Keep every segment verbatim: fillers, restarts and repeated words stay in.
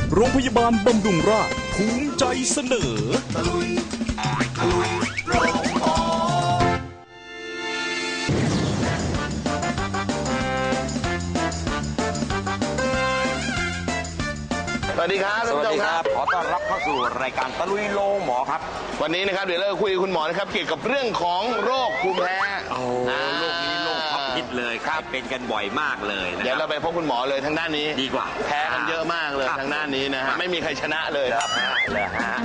โรงพยาบาลบำรุงราษฎร์ภูมิใจเสนอตะลุยตะลุยโรงหมอสวัสดีครับท่านผู้ชมครับขอต้อนรับเข้าสู่รายการตะลุยโรงหมอครับวันนี้นะครับเดี๋ยวเราคุยกับคุณหมอนะครับเกี่ยวกับเรื่องของโรคภูมิแพ้โอ้โรคนี้โรคท็อปฮิตเลยครับเป็นกันบ่อยมากเลยนะเดี๋ยวเราไปพบคุณหมอเลยทางด้านนี้ดีกว่าแพ้กันเยอะมากเลยทางด้านนี้นะฮะไม่มีใครชนะเลยครับเลยฮะ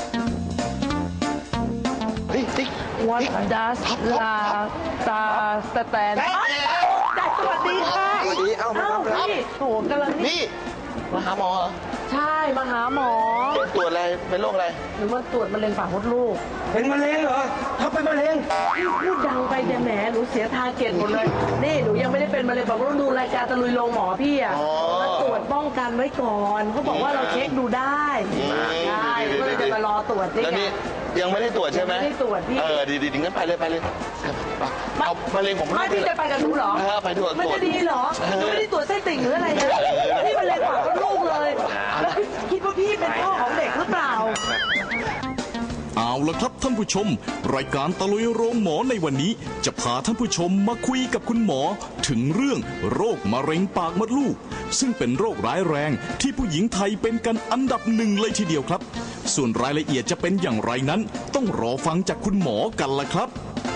What does la ta stand จัดสวัสดีค่ะสวัสดีเอ้าพี่โถกำลังนี่มาหาหมอใช่มาหาหมอตรวจอะไรเป็นโรคอะไรหรือว่าตรวจมะเร็งปากมดลูกเป็นมะเร็งเหรอถ้าเป็นมะเร็งพูดดังไปแต่แหมหนูเสียทาเก็ตหมดเลยนี่หนูยังไม่ได้เป็นมะเร็งปากมดลูกดูรายการตะลุยโรงหมอพี่อ่ะมาตรวจป้องกันไว้ก่อนเขาบอกว่าเราเช็คดูได้ใช่ก็เลยจะมารอตรวจนี่ยังไม่ได้ตรวจใช่ไหมไม่ได้ตรวจพี่เออดีดีงั้นไปเลยไปเลยเอามะเร็งผมไม่พี่จะไปกับหนูเหรอไปตรวจมันจะดีเหรอหนูไม่ได้ตรวจไส้ติ่งหรืออะไรนะพี่มะเร็งปากมดลูกเลยแล้วคิดว่าพี่เป็นพ่อของเด็กหรือเปล่าเอาละครับท่านผู้ชมรายการตะลุยโรงหมอในวันนี้จะพาท่านผู้ชมมาคุยกับคุณหมอถึงเรื่องโรคมะเร็งปากมดลูกซึ่งเป็นโรคร้ายแรงที่ผู้หญิงไทยเป็นกันอันดับหนึ่งเลยทีเดียวครับส่วนรายละเอียดจะเป็นอย่างไรนั้นต้องรอฟังจากคุณหมอกันละครับ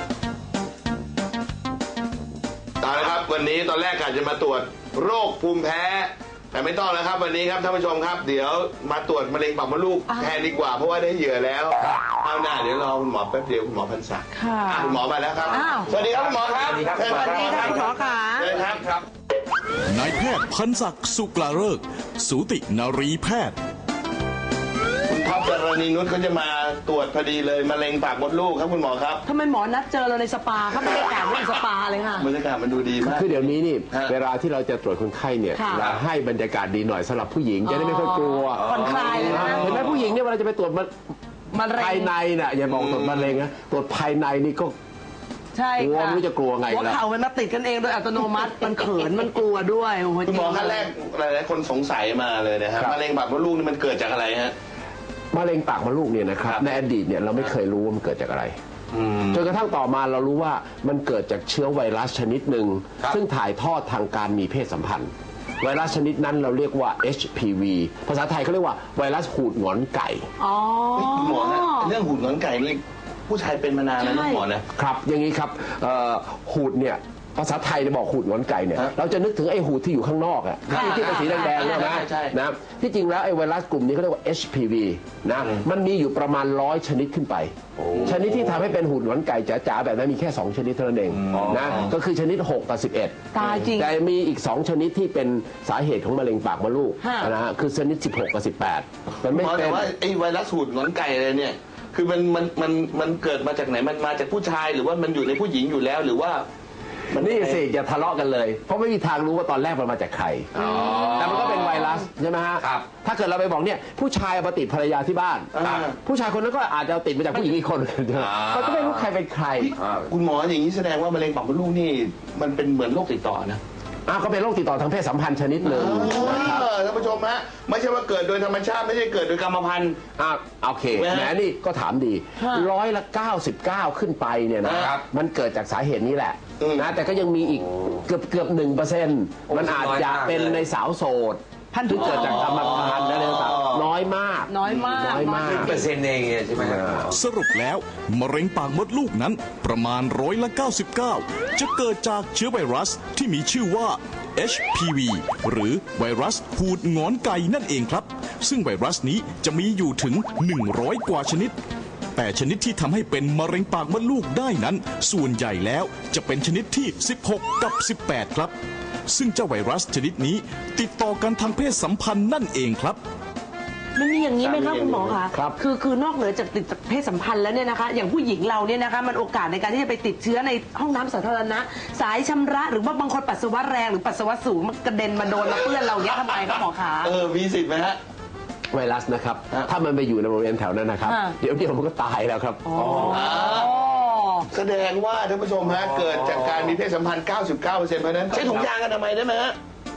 เอาละครับวันนี้ตอนแรกกะจะมาตรวจโรคภูมิแพ้แต่ไม่ต้องแล้วครับวันนี้ครับท่านผู้ชมครับเดี๋ยวมาตรวจมะเร็งปากมดลูกแทนดีกว่าเพราะว่าได้เหยื่อแล้วเอาหน้าเดี๋ยวรอคุณหมอแป๊บเดียวคุณหมอพันศักดิ์ค่ะคุณหมอมาแล้วครับสวัสดีครับคุณหมอครับสวัสดีครับสวัสดีครับคุณหมอค่ะเชิญครับครับนายแพทย์พันศักดิ์สุกลาฤกษ์สูตินรีแพทย์คุณท็อปดารณีนุชเขาจะมาตรวจพอดีเลยมะเร็งปากมดลูกครับคุณหมอครับทำไมหมอนัดเจอเราในสปาครับบรรยากาศเหมือนสปาเลยค่ะบรรยากาศมันดูดีมากคือเดี๋ยวนี้นี่เวลาที่เราจะตรวจคนไข้เนี่ยเราให้บรรยากาศดีหน่อยสำหรับผู้หญิงจะได้ไม่ค่อยกลัวผ่อนคลายเลยนะเห็นไหมผู้หญิงเนี่ยเวลาจะไปตรวจภายในน่ะอย่าบอกตรวจมะเร็งนะตรวจภายในนี่ก็ใช่ค่ะไม่รู้จะกลัวไงหัวเข่ามันมาติดกันเองโดยอัตโนมัติมันเขินมันกลัวด้วยคุณหมอขั้นแรกหลายๆคนสงสัยมาเลยนะครับมะเร็งปากมดลูกนี่มันเกิดจากอะไรฮะมะเร็งปากมดลูกเนี่ยนะครับในอดีตเนี่ยเราไม่เคยรู้ว่ามันเกิดจากอะไรจนกระทั่งต่อมาเรารู้ว่ามันเกิดจากเชื้อไวรัสชนิดหนึ่งซึ่งถ่ายทอดทางการมีเพศสัมพันธ์ไวรัสชนิดนั้นเราเรียกว่า เอช พี วี ภาษาไทยเขาเรียกว่าไวรัสหูดหงอนไก่อ๋อหมอนะเรื่องหูดหงอนไก่นี่ผู้ชายเป็นมานานแล้วนะหมอนะครับอย่างนี้ครับหูดเนี่ยภาษาไทยจะบอกหูดหงอนไก่เนี่ยเราจะนึกถึงไอ้หูดที่อยู่ข้างนอกอะที่เป็นสีแดงๆใช่ไหมนะที่จริงแล้วไอ้ไวรัสกลุ่มนี้เขาเรียกว่า เอช พี วี นะมันมีอยู่ประมาณร้อยชนิดขึ้นไปชนิดที่ทำให้เป็นหูดหงอนไก่จ๋าๆแบบนั้นมีแค่สองชนิดเท่านั้นเองนะก็คือชนิดหกกับสิบเอ็ดตายจริงแต่มีอีกสองชนิดที่เป็นสาเหตุของมะเร็งปากมดลูกนะฮะคือชนิดสิบหกกับสิบแปดมันไม่เป็นแต่ว่าไอ้ไวรัสหูดหงอนไก่อะไรเนี่ยคือมันมันมันมันเกิดมาจากไหนมันมาจากผู้ชายหรือว่ามันอยู่ในผู้หญิงอยู่แล้วหรือว่านี่สิอย่าทะเลาะกันเลยเพราะไม่มีทางรู้ว่าตอนแรกมันมาจากใครแต่มันก็เป็นไวรัสใช่ไหมฮะถ้าเกิดเราไปบอกเนี่ยผู้ชายมาติดภรรยาที่บ้านผู้ชายคนนั้นก็อาจจะติดมาจากผู้หญิงอีกคนเขาก็ไม่รู้ใครเป็นใครคุณหมออย่างนี้แสดงว่ามะเร็งปากมดลูกนี่มันเป็นเหมือนโรคติดต่อนะอ้าวก็เป็นโรคติดต่อทางเพศสัมพันธ์ชนิดหนึ่งนะครับท่านผู้ชมฮะไม่ใช่ว่าเกิดโดยธรรมชาติไม่ใช่เกิดโดยกรรมพันธุ์อ่าโอเคแหมนี่ก็ถามดีร้อยละเก้าสิบเก้าขึ้นไปเนี่ยนะครับมันเกิดจากสาเหตุนี้แหละนะแต่ก็ยังมีอีกเกือบเกือบหนึ่งเปอร์เซ็นต์มันอาจจะเป็นในสาวโสดพันธุ์ที่เกิดจากกรรมพันธุ์อะไรต่างๆน้อยมากน้อยมากน้อยมากเปอร์เซ็นต์เองใช่ไหมสรุปแล้วมะเร็งปากมดลูกนั้นประมาณร้อยละเก้าสิบเก้าจะเกิดจากเชื้อไวรัสที่มีชื่อว่า เอช พี วี หรือไวรัสหูดหงอนไก่นั่นเองครับซึ่งไวรัสนี้จะมีอยู่ถึงหนึ่งร้อยกว่าชนิดแต่ชนิดที่ทำให้เป็นมะเร็งปากมดลูกได้นั้นส่วนใหญ่แล้วจะเป็นชนิดที่สิบหกกับสิบแปดครับซึ่งเจ้าไวรัสชนิดนี้ติดต่อกันทางเพศสัมพันธ์นั่นเองครับมันมีอย่างนี้ไหมครับคุณหมอคะคือคือนอกเหนือจากติดเพศสัมพันธ์แล้วเนี่ยนะคะอย่างผู้หญิงเราเนี่ยนะคะมันโอกาสในการที่จะไปติดเชื้อในห้องน้ำสาธารณะสายชำระหรือว่าบางคนปัสสาวะแรงหรือปัสสาวะสูงมันกระเด็นมาโดนมาเปื้อนเราเนี่ยทำไมครับหมอคะเออมีสิทธิ์ไหมฮะไวรัสนะครับถ้ามันไปอยู่ในบริเวณแถวนั้นนะครับเดี๋ยวเดี๋ยวมันก็ตายแล้วครับแสดงว่าท่านผู้ชมฮะเกิดจากการมีเพศสัมพันธ์ เก้าสิบเก้าเปอร์เซ็นต์ เพราะนั้นใช้ถุงยางอนามัยได้ไหมฮะใ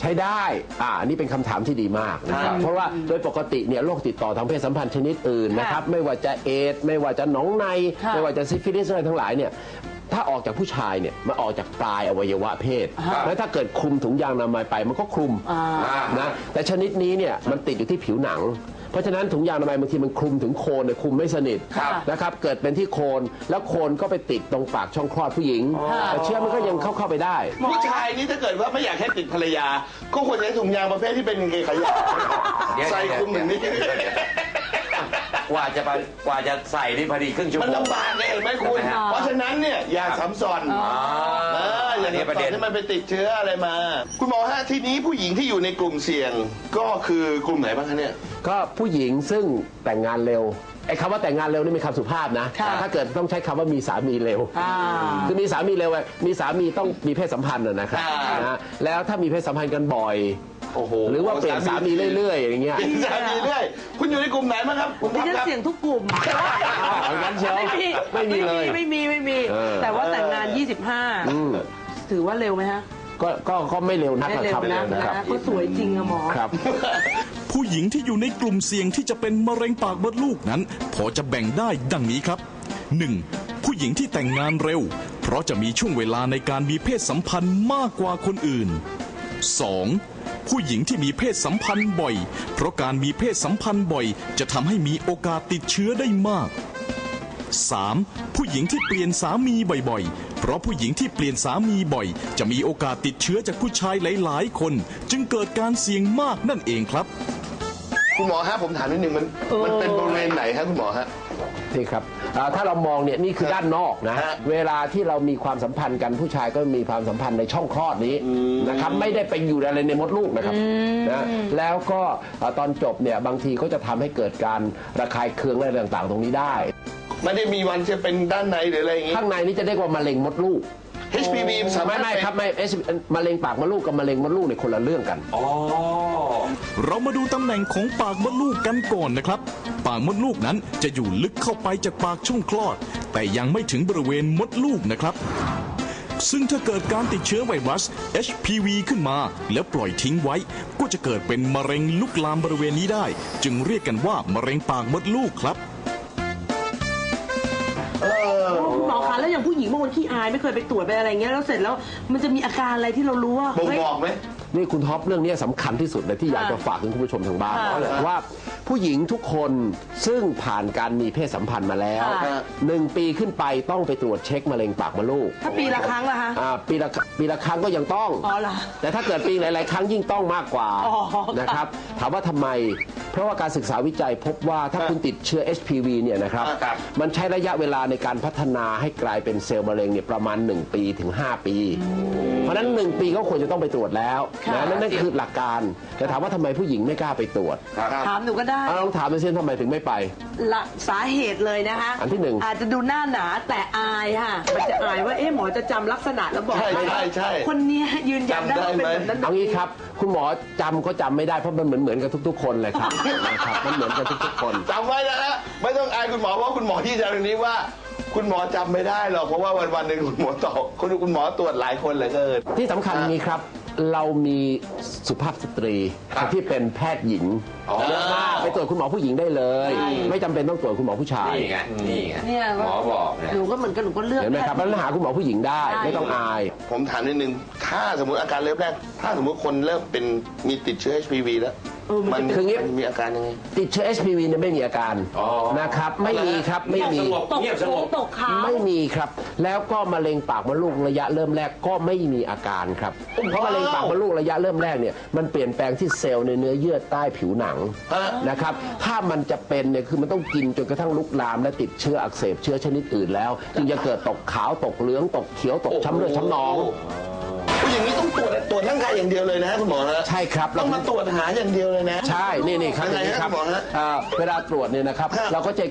ช้ได้อ่านี่เป็นคำถามที่ดีมากนะครับเพราะว่าโดยปกติเนี่ยโรคติดต่อทางเพศสัมพันธ์ชนิดอื่นนะครับไม่ว่าจะเอดส์ไม่ว่าจะหนองใน ไม่ว่าจะซิฟิลิสอะไรทั้งหลายเนี่ยถ้าออกจากผู้ชายเนี่ยมันออกจากปลายอวัยวะเพศ แล้วถ้าเกิดคลุมถุงยางอนามัยไปมันก็คลุมนะแต่ชนิดนี้เนี่ยมันติดอยู่ที่ผิวหนัง เพราะฉะนั้นถุงยางอนามัยบางทีมันคลุมถึงโคนเนี่ยคลุมไม่สนิทนะครับเกิดเป็นที่โคนแล้วโคนก็ไปติดตรงปากช่องคลอดผู้หญิงแต่เชื้อมันก็ยังเข้าเข้าไปได้ผู้ชายนี่ถ้าเกิดว่าไม่อยากให้ติดภรรยา ก็ควรใช้ถุงยางประเภทที่เป็นกางเกงขายาวใส่คลุมอย่างนี้กว่าจะกว่าจะใส่นี่พอดีครึ่งชั่วโมมันงลำบากไงเห็นไหมคุณ เพราะฉะนั้นเนี่ยอย่าซ้ำซ้อนเอออย่านี่ซ้ำประซ้อเด็นนให้มันไปติดเชื้ออะไรมา คุณหมอฮะทีนี้ผู้หญิงที่อยู่ในกลุ่มเสี่ยง ก็คือกลุ่มไหนบ้างคะเนี่ยก็ผู้หญิงซึ่งแต่งงานเร็วไอ้คำว่าแต่งงานเร็วนี่เป็นคำสุภาพนะถ้าเกิดต้องใช้คำว่ามีสามีเร็วคือมีสามีเร็วมีสามีต้องมีเพศสัมพันธ์นะครับนะแล้วถ้ามีเพศสัมพันธ์กันบ่อยโอ้โหหรือว่าเปลี่ยนสามีเรื่อยๆอย่างเงี้ยเปลี่ยนสามีเรื่อยคุณอยู่ในกลุ่มไหนบ้างครับคุณดิพับฉันครับเสี่ยงทุกกลุ่มเอางั้นเชียวไม่มีไม่มีเลยไม่มีไม่มีเออแต่ว่าแต่งงาน ยี่สิบห้าอืมถือว่าเร็วไหมฮะก็ก็ก็ไม่เร็วนักไม่นะเร็คว รับนะนะนะครับ ก็สวยจริงอะหมอครับผู้หญิงที่อยู่ในกลุ่มเสี่ยงที่จะเป็นมะเร็งปากมดลูกนั้น พอจะแบ่งได้ดังนี้ครับ หนึ่ง ผู้หญิงที่แต่งงานเร็ว เพราะจะมีช่วงเวลาในการมีเพศสัมพันธ์มากกว่าคนอื่น สอง ผู้หญิงที่มีเพศสัมพันธ์บ่อย เพราะการมีเพศสัมพันธ์บ่อย จะทำให้มีโอกาสติดเชื้อได้มาก สาม ผู้หญิงที่เปลี่ยนสามีบ่อยๆ เพราะผู้หญิงที่เปลี่ยนสามีบ่อย จะมีโอกาสติดเชื้อจากผู้ชายหลายๆ คน จึงเกิดการเสี่ยงมากนั่นเองครับคุณหมอฮะผมถามนิดนึงมันมันเป็นบริเวณไหนฮะคุณหมอฮะนี่ครับอ่าถ้าเรามองเนี่ยนี่คือด้านนอกนะฮะเวลาที่เรามีความสัมพันธ์กันผู้ชายก็มีความสัมพันธ์ในช่องคลอดนี้นะครับไม่ได้ไปอยู่อะไรในมดลูกนะครับนะแล้วก็อ่าตอนจบเนี่ยบางทีก็จะทำให้เกิดการระคายเคืองอะไรต่างๆ ตรงนี้ได้ไม่ได้มีวันจะเป็นด้านในหรืออะไรอย่างงี้ข้างในนี่จะเรียกว่ามะเร็งมดลูกเอช พี วี สามารไม่ถไม่เป็นครับไม่เอชมะเร็งปากมดลูกกับมะเร็งมดลูกในยคนละเรื่องกันเรามาดูตำแหน่งของปากมดลูกกันก่อนนะครับ ปากมดลูกนั้นจะอยู่ลึกเข้าไปจากปากช่องคลอด แต่ยังไม่ถึงบริเวณมดลูกนะครับ ซึ่งถ้าเกิดการติดเชื้อไวรัส เอช พี วี ขึ้นมา แล้วปล่อยทิ้งไว้ ก็จะเกิดเป็นมะเร็งลุกลามบริเวณนี้ได้ จึงเรียกกันว่ามะเร็งปากมดลูกครับคุณหมอคะแล้วอย่างผู้หญิงบางคนขี้อายไม่เคยไปตรวจไปอะไรเงี้ยแล้วเสร็จแล้วมันจะมีอาการอะไรที่เรารู้ว่าบ่งเฮ้ยบอกไหมนี่คุณท็อปเรื่องนี้สำคัญที่สุดเลยที่อยากจะฝากถึงคุณผู้ชมทางบ้านค่ะว่าผู้หญิงทุกคนซึ่งผ่านการมีเพศสัมพันธ์มาแล้วค่ะหนึ่งปีขึ้นไปต้องไปตรวจเช็คมะเร็งปากมดลูกถ้าปีละครั้งล่ะคะอ่าปีละปีละครั้งก็ยังต้องอ๋อเหรอแต่ถ้าเกิดปีหลาย ๆ ครั้งยิ่งต้องมากกว่าอ๋อค่ะนะครับถามว่าทำไม เพราะว่าการศึกษาวิจัยพบว่าถ้าคุณติดเชื้อ เอช พี วี เนี่ยนะครับครับมันใช้ระยะเวลาในการพัฒนาให้กลายเป็นเซลล์มะเร็งเนี่ยประมาณหนึ่งปีถึงห้าปี เพราะฉะนั้นหนึ่งปีก็ควรจะต้องไปตรวจแล้วนะนั่นนั่นคือหลักการแต่ถามว่าทำไมผู้หญิงไม่กล้าไปตรวจถามหนูก็ได้เอาลองถามดูซิทำไมถึงไม่ไปละสาเหตุเลยนะคะอันที่หนึ่งอาจจะดูหน้าหนาแต่อายค่ะมันจะอายว่าเอ๊ะหมอจะจำลักษณะแล้วบอกใช่ใช่ใช่คนเนี้ยยืนยันได้ว่าเป็นแบบนั้นเอางี้ครับคุณหมอจำก็จำไม่ได้เพราะมันเหมือนเหมือนกันทุก ๆ คนเลยครับ นะครับมันเหมือนกันทุกๆคนจำไว้นะฮะไม่ต้องอายคุณหมอเพราะคุณหมอที่จะตรงนี้ว่า คุณหมอจำไม่ได้หรอกเพราะว่าวันวันๆหนึ่งคุณหมอตอบคุณคุณหมอตรวจหลายคนเหลือเกินที่สำคัญนี้ครับ เรามีสุภาพสตรีที่เป็นแพทย์หญิงเยอะมากไปตรวจคุณหมอผู้หญิงได้เลย ไม่จำเป็นต้องตรวจคุณหมอผู้ชายนี่ไง นี่ไงเนี่ยหมอบอกนะหนูก็เหมือนกันหนูก็เลือกเห็นไหมครับแล้วหาคุณหมอผู้หญิงได้ไม่ต้องอายผมถามนิดนึง ถ้าสมมติอาการเริ่มแรก ถ้าสมมติคนเริ่มเป็นมีติดเชื้อ เอช พี วี แล้ว มันคืองี้มันมีอาการยังไงติดเชื้อ เอช พี วี เนี่ยไม่มีอาการอ๋อนะครับไม่มีครับไม่มีสงบตกเงียบสงบตกขาวไม่มีครับ แล้วก็มะเร็งปากมดลูกระยะเริ่มแรกก็ไม่มีอาการครับ เพราะมะเร็งปากมดลูกระยะเริ่มแรกเนี่ยมันเปลี่ยนแปลงที่เซลล์ในเนื้อเยื่อใต้ผิวหนังฮะนะครับ ถ้ามันจะเป็นเนี่ยคือมันต้องกินจนกระทั่งลุกลามและติดเชื้ออักเสบเชื้อชนิดอื่นแล้ว จึงจะเกิดตกขาวตกเหลืองตกเขียวตกช้ำเลือดช้ำหนองผู้อย่างนี้ต้องตรวจตรวจร่างกายอย่างเดียวเลยนะฮะคุณหมอฮะใช่ครับต้องมาตรวจหาอย่างเดียวเลยนะใช่ นี่นี่ครับยังไงนี่ฮะครับคุณหมอฮะเอ่อเวลาตรวจเนี่ยนะครับฮะเราก็จะ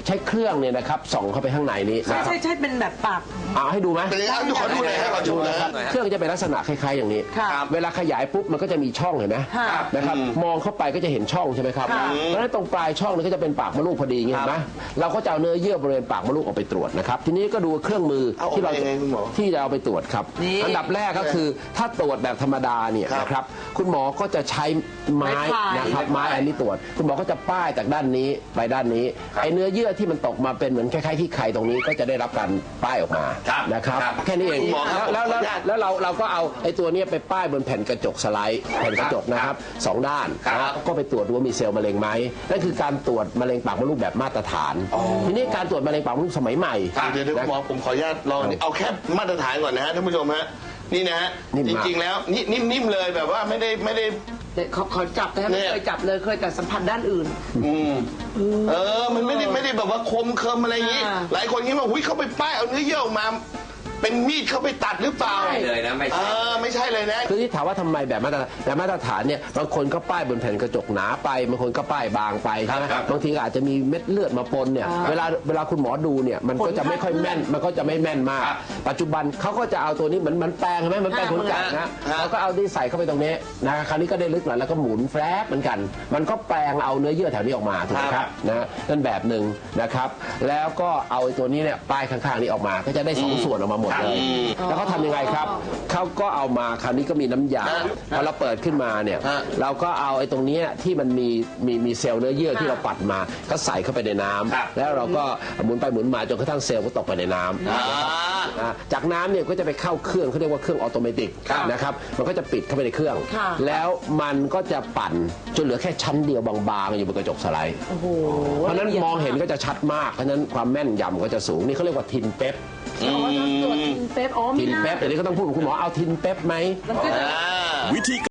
ช้เครื่องเนี่ยนะครับส่องเข้าไปข้างในนี้ใช่นะครับใช่ใช่เป็นแบบปากเอาให้ดูไหมเป็นยังไงครับขอดูหน่อยครับขอดูหน่อยนะคครัรับ บเครื่องจะเป็นลักษณะคล้ายๆอย่างนี้ค่ะเวลาขยายปุ๊บมันก็จะมีช่องเห็นไหมค่ะนะครับมองเข้าไปก็จะเห็นช่องใช่ไหมครับค่ะเพราะฉะนั้นตรงปลายช่องนี้ก็จะเป็นปากมดลูกพอดีอย่างนี้เห็นไหมเราก็จะเอาเนื้อเยื่อบริเวณปากมดลูกออกไปตรวจนะครับทีนี้ก็ดูเครื่องมือเอาออกที่เราไปยังไงคุณหมอที่จะเอาไปตรวจครับนี่อันดับแรกก็คือถ้าตรวจแบบธรรมดาเนี่ยครับนะครับคุณหมอก็จะใช้ไม้ไม้พายนะครับไม้อันนี้ตรวจ คุณหมอก็จะป้ายจากด้านนี้ไปด้านนี้ไอ้เนื้อเยื่อที่มันตกมาเป็นเหมือนคล้ายๆที่ไข่ตรงนี้ก็จะได้รับการป้ายออกมานะครับแค่นี้เองคุณหมอครับแล้วแล้วแล้วแล้วเราเราก็เอาไอ้ตัวเนี้ยไปป้ายบนแผ่นกระจกสไลด์แผ่นกระจกนะครับสองด้านนะก็ไปตรวจดูว่ามีเซลล์มะเร็งไหมนั่นคือการตรวจมะเร็งปากมดลูกแบบมาตรฐาน ทีนี้การตรวจมะเร็งปากมดลูกสมัยใหม่เดี๋ยวเดี๋ยวคุณหมอผมขออนุญาตลองอันนี้เอาแค่มาตรฐานก่อนนะฮะท่านผู้ชมฮะนี่นะฮะนิ่มจมากริงๆแล้วนี่นิ่มๆเลยแบบว่าไม่ได้ไม่ได้เดี๋ยวขอขอจับนะเนี่ไม่ยเคยจับเลยเคยแต่สัมผัสด้านอื่นอืมเออ มันไม่ได้ไม่ได้แบบว่าคมเคิมอะไรอย่างนี้อ่าหลายคนคิดว่าหุ้ยเขาไปป้ายเอาเนื้อเยื่อออกมา เป็นมีดเขาไปตัดหรือเปล่าใช่เลยนะไม่เอใช่อไม่ใช่เลยนะคือที่ถามว่าทำไมแบบมาตรแบบมาตรฐานเนี่ยบางคนก็ป้ายบนแผ่นกระจกหนาไปบางคนก็ป้ายบางไปใช่ไหมครับบางทีก็อาจจะมีเม็ดเลือดมาปนเนี่ยเวลาเวลาคุณหมอดูเนี่ยมันก็จะไม่ค่อยแม่นมันก็จะไม่แม่นมาก ปัจจุบันเขาก็จะเอาตัวนี้เหมือนเหมันแปลงใช่ไหมเหมันแปลงขนไก่นะเขาก็เอาที่ใส่เข้าไปตรงนี้นะคราวนี้ก็ได้ลึกหน่อยแล้วก็หมุนแฟบเหมือนกัน มันก็แปลงเอาเนื้อเยื่อแถวนี้ออกมาถูกไหมครับนะนั่นแบบหนึ่งนะครับแล้วก็เอาไอ้ตัวนี้เนี่ยป้ายข้างๆนี้ออกมาก็จะได้สองส่วนออกมาหมดเลย แล้วเขาทำยังไงครับ เขาก็เอามาคราวนี้ก็มีน้ำยาพอเราเปิดขึ้นมาเนี่ย เราก็เอาไอ้ตรงเนี้ยที่มันมีมีมีเซลล์เนื้อเยื่อที่เราปัดมา ก็ใส่เข้าไปในน้ำแล้วเราก็หมุนไปหมุนมาจนกระทั่งเซลล์ก็ตกไปในน้ำอ่าจากน้ำเนี่ยก็จะไปเข้าเครื่องเขาเรียกว่าเครื่องออโตเมติกนะครับ มันก็จะปิดเข้าไปในเครื่องค่ะแล้วมันก็จะปั่นจนเหลือแค่ชั้นเดียวบางๆอยู่บนกระจกสไลด์โอ้โหเพราะฉะนั้นมองเห็นก็จะชัดมาก เพราะฉะนั้นความแม่นยำก็จะสูง นี่เขาเรียกว่าทินเป๊ปอ๋อตรวจทินเป๊ปอ๋อทินเป๊ปเดี๋ยวนี้ก็ต้องพูดกับคุณหมอเอาทินเป๊ปไหมมันก็จะวิธี